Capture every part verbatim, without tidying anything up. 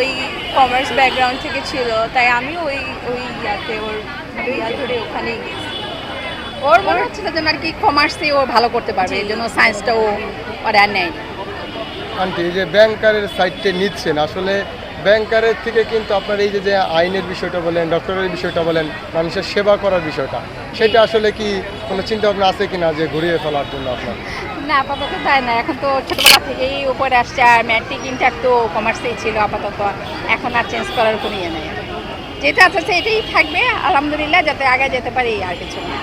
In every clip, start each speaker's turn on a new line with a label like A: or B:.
A: ওই commerce background থেকে ছিল, তাই আমি ওই ওই ইয়াতে ওর ইয়া ধরে ওখানেই গেছি।
B: ওর মনে হচ্ছিল যে আর কি কমার্সে ও ভালো করতে পারবে, এই জন্য সায়েন্সটা ও আর আর নেয়।
C: আন্টি এই যে ব্যাংকারের সাইডটা নিচ্ছেন, আসলে ব্যাংকারের থেকে কিন্তু আপনার এই যে যে আইনের বিষয়টা বলেন, ডক্টরের বিষয়টা বলেন, মানুষের সেবা করার বিষয়টা, সেটা আসলে কি কোনো চিন্তা ভাবনা আছে কিনা যে ঘুরিয়ে ফেলার জন্য আপনার?
B: না, আপাতত তাই না। এখন তো ছোটবেলা থেকেই উপরে আসছে, আর ম্যাট্রিক ইন্টার তো কমার্সেই ছিল আপাতত। এখন আর চেঞ্জ করার কোনো ইয়ে নেই। যেটা আছে এটাই থাকবে আলহামদুলিল্লাহ, যাতে আগে যেতে পারি আর কিছু না।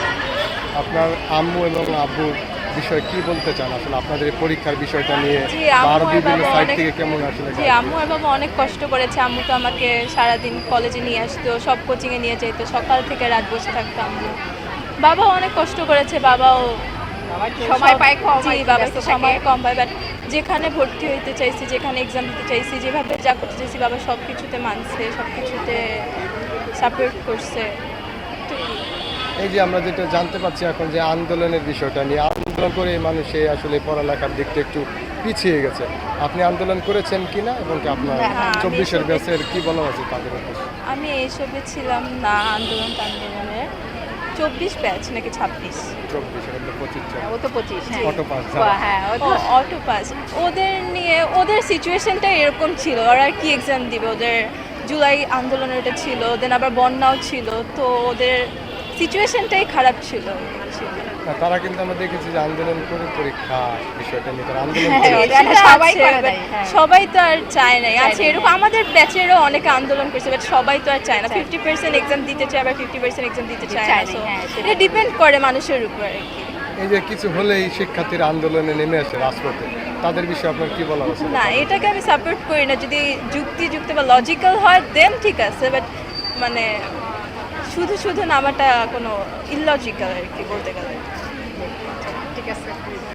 C: আপনার আম্মু এবং আব্বুর বিষয়ে কি বলতে চান আসলে আপনাদের এই পরীক্ষার বিষয়টা নিয়ে?
A: জি,
C: বা
A: আম্মু
C: আরো
A: আর
C: বিভিন্ন
A: বাবা
C: সাইড
A: অনেক-
C: থেকে কেমন আসলে
A: জি আম্মু আর বাবা অনেক কষ্ট করেছে। আম্মু তো আমাকে সারাদিন কলেজে নিয়ে আসতো, সব কোচিংয়ে নিয়ে যেত, সকাল থেকে রাত বসে থাকতো আম্মু। বাবাও অনেক কষ্ট করেছে, বাবাও
B: সময়
A: সব-
B: পায় কম,
A: জি
B: আর কি,
A: বাবা
B: ব্যস্ত
A: একটু
B: থাকে।
A: সময় কম পায়, বাট যেখানে ভর্তি হইতে চাইছি, যেখানে এক্সাম দিতে চাইছি, যেভাবে যা করতে চাইছি, বাবা সব কিছুতে মানছে, সব কিছুতে সাপোর্ট করছে। তো
C: এই যে আমরা যেটা জানতে পারছি এখন যে আন্দোলনের বিষয়টা নিয়ে, আন্দোলন করে মানুষে আসলে পড়ালেখার দিকটা একটু পিছিয়ে গেছে। আপনি আন্দোলন করেছেন কিনা এবং কি আপনার
A: হ্যাঁ, আমি
C: চব্বিশের
A: এসবে-
C: ব্যাচের কি বলা আছে তাদের উপর?
A: আমি এইসবে ছিলাম না আন্দোলন আন্দোলনের। চব্বিশ ব্যাচ নাকি ছাব্বিশ?
C: চব্বিশ এখন তো পঁচিশ চলে।
B: ও তো পঁচিশ, হ্যাঁ।
C: অটো পাস
B: ও,
C: যারা।
B: হ্যাঁ, ও
A: ও
B: তো
A: অটো পাস। ওদের নিয়ে ওদের সিচুয়েশনটা এরকম ছিল, ওরা আর কি এক্সাম দিবে? ওদের জুলাই আন্দোলনের ওটা ছিল, দেন আবার বন্যাও ছিল, তো ওদের সিচুয়েশনটাই খারাপ ছিল।
C: না, তারা কিন্তু আমরা দেখেছি যে আন্দোলন করে পরীক্ষা বিষয়টা নিয়ে তারা আন্দোলন
B: হ্যাঁ,
C: করে।
B: এটা
A: সেটা
B: সবাই
A: আছে,
B: করে
A: but
B: দেয়, হ্যাঁ।
A: সবাই তো আর চায় নাই।
B: চায়
A: আছে
B: না,
A: এরকম আমাদের ব্যাচেরও অনেকে আন্দোলন করছে, বাট সবাই তো আর চায় না।
B: চায় না।
A: ফিফটি পার্সেন্ট এক্সাম দিতে চায়, আবার ফিফটি পার্সেন্ট এক্সাম দিতে চায়
B: চায়
A: না।
B: না,
A: So,
B: হ্যাঁ, সেটাই।
A: এটা ডিপেন্ড করে মানুষের উপর আর কি।
C: এই যে কিছু হলেই শিক্ষার্থীরা আন্দোলনে নেমে আসে রাজপথে, তাদের বিষয়ে আপনার কি বলা আছে?
A: না, এটাকে আমি সাপোর্ট করি না। যদি যুক্তিযুক্ত বা লজিক্যাল হয় দেন ঠিক আছে, বাট মানে শুধু শুধু নামাটা কোনো ইললজিক্যাল আর কি বলতে গেলে।
B: ঠিক আছে।